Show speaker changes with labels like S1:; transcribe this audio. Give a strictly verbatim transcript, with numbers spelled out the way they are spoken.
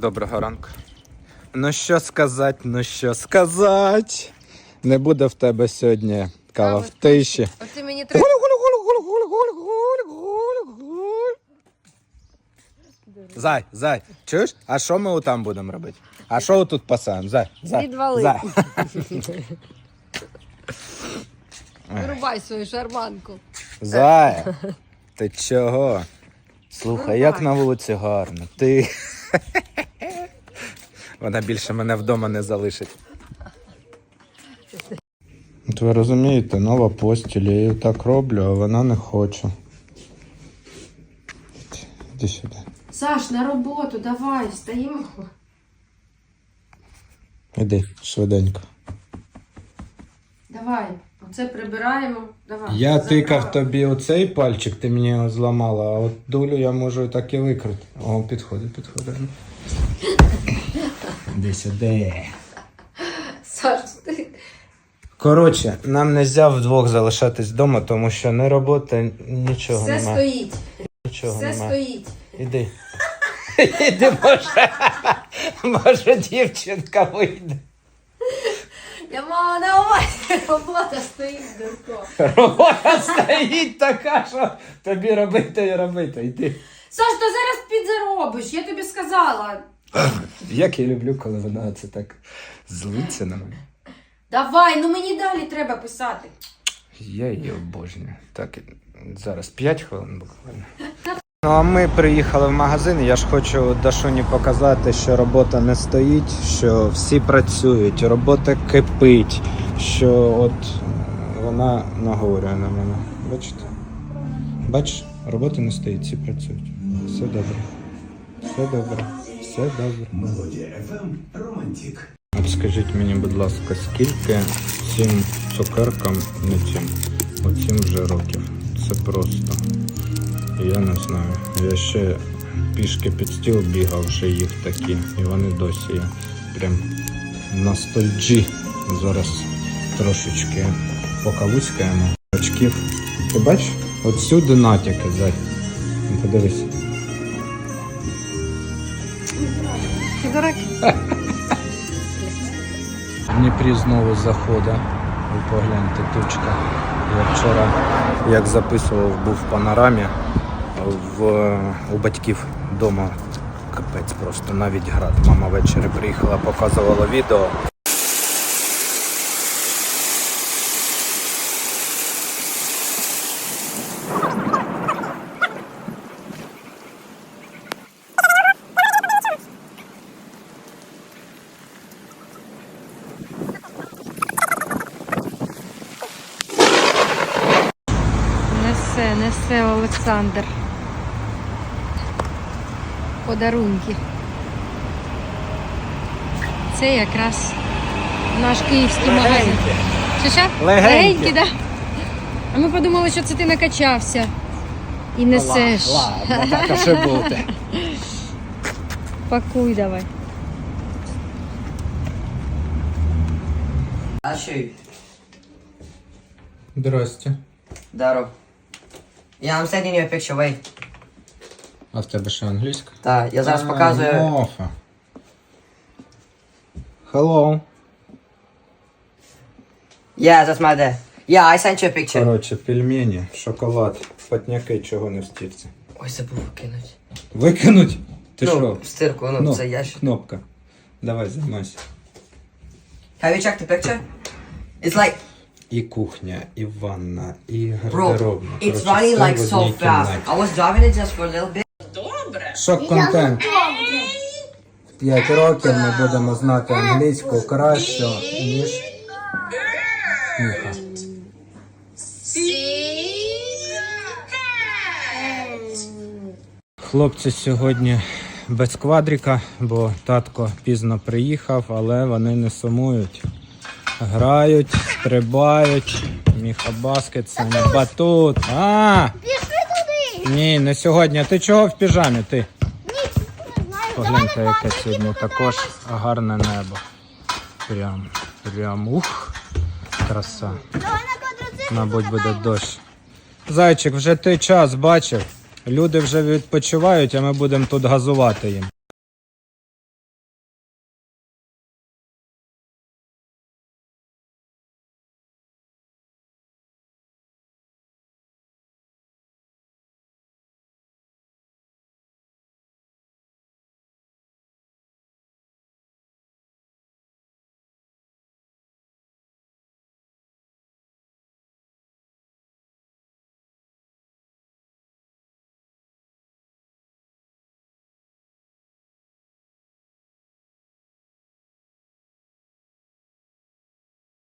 S1: Доброго ранку. Ну що сказати, ну що сказати. Не буде в тебе сьогодні кава в тиші.
S2: Оце мені треба...
S1: Зай, зай, чуєш? А що ми там будемо робити? А що тут пасаємо? Зай, зай,
S2: Відвали.
S1: зай.
S2: Вирубай свою шарманку.
S1: Зай, ти чого? Слухай, як на вулиці гарно. Ти... Вона більше мене вдома не залишить. От ви розумієте, нова постіль, я її так роблю, а вона не хоче. Іди сюди.
S2: Саш, на роботу, давай, встаємо.
S1: Іди, швиденько.
S2: Давай, оце прибираємо. Давай.
S1: Я
S2: Забрала.
S1: тикав тобі оцей пальчик, ти мені його зламала, а от долю я можу так і викрити. О, підходить, підходить. Іди сюди.
S2: Саш, ти...
S1: Коротше, нам не можна вдвох залишатись вдома, тому що не робота, нічого
S2: Все
S1: немає.
S2: стоїть.
S1: Нічого
S2: Все
S1: немає.
S2: стоїть.
S1: Іди. Іди, може. Може, дівчинка вийде.
S2: Я мала на увазі, робота стоїть, дурко.
S1: Робота стоїть така, що тобі робити і робити. Іди.
S2: Саш, ти зараз підзаробиш, я тобі сказала.
S1: Як я люблю, коли вона це так злиться на мене.
S2: Давай, ну мені далі треба писати.
S1: Я її обожнюю. Так, зараз п'ять хвилин буквально. Ну а ми приїхали в магазин, і я ж хочу Дашуні показати, що робота не стоїть, що всі працюють, робота кипить, що от вона наговорює на мене. Бачите? Бачиш, робота не стоїть, всі працюють. Все добре. Все добре. Все добре.
S3: Мелодія еф ем Романтик.
S1: От скажіть мені, будь ласка, скільки цим цукеркам, не цим, оцім вже років? Це просто. Я не знаю. Я ще пішки під стіл бігав, вже їх такі. І вони досі є. Прям ностальджі. Зараз трошечки покавуськаємо. Очків. Ти бачиш? От сюди натяки, зай. Подивись.
S2: Ти дурак.
S1: В Дніпрі знову заходить. Ви погляньте, тучка. Я вчора, як записував, був в панорамі. В, у батьків вдома капець просто, навіть град. Мама ввечері приїхала, показувала відео.
S2: Несе, несе Олександр. Подарунки. Це якраз наш київський магазин. Що що?
S1: Легенькі.
S2: Да? А ми подумали, що це ти накачався і несеш.
S1: Ладно, так а що бути.
S2: Пакуй давай.
S4: I'll show you.
S1: Здрасте.
S4: Даров. Yeah, I'm sending you a picture, wait.
S1: А в тебе що, англійська?
S4: Так, я зараз показую.
S1: Мофа. Hello.
S4: Yeah, that's my dad. Yeah, I sent you a picture.
S1: Коротше, пельмені, шоколад, патняки, чого не в стірці.
S4: Ой, забув кинуть.
S1: Викинуть? Ти що?
S4: Ну, в стирку, ну,
S1: Кноп-
S4: це ящик.
S1: Кнопка. Давай, займайся.
S4: Have you checked the picture? It's like,
S1: І кухня, і ванна, і
S4: bro,
S1: гардеробна.
S4: it's
S1: Коротше,
S4: running
S1: все
S4: like
S1: в
S4: so
S1: одній
S4: fast.
S1: кімнаті.
S4: I was driving it just for a little bit.
S1: Шок-контент. В п'ять років ми будемо знати англійську краще, ніж Міха. Хлопці сьогодні без квадрика, бо татко пізно приїхав, але вони не сумують. Грають, стрибають. Міха баскет, це не батут. А!
S5: Пішли туди!
S1: Ні, не сьогодні. Ти чого в піжамі? Ти?
S5: Ні, не знаю.
S1: Погляньте, яке сьогодні також гарне небо. Прям, прям, ух, краса.
S5: Давай на квадроцикл.
S1: Мабуть, буде дощ. Зайчик, вже ти час бачив. Люди вже відпочивають, а ми будемо тут газувати їм.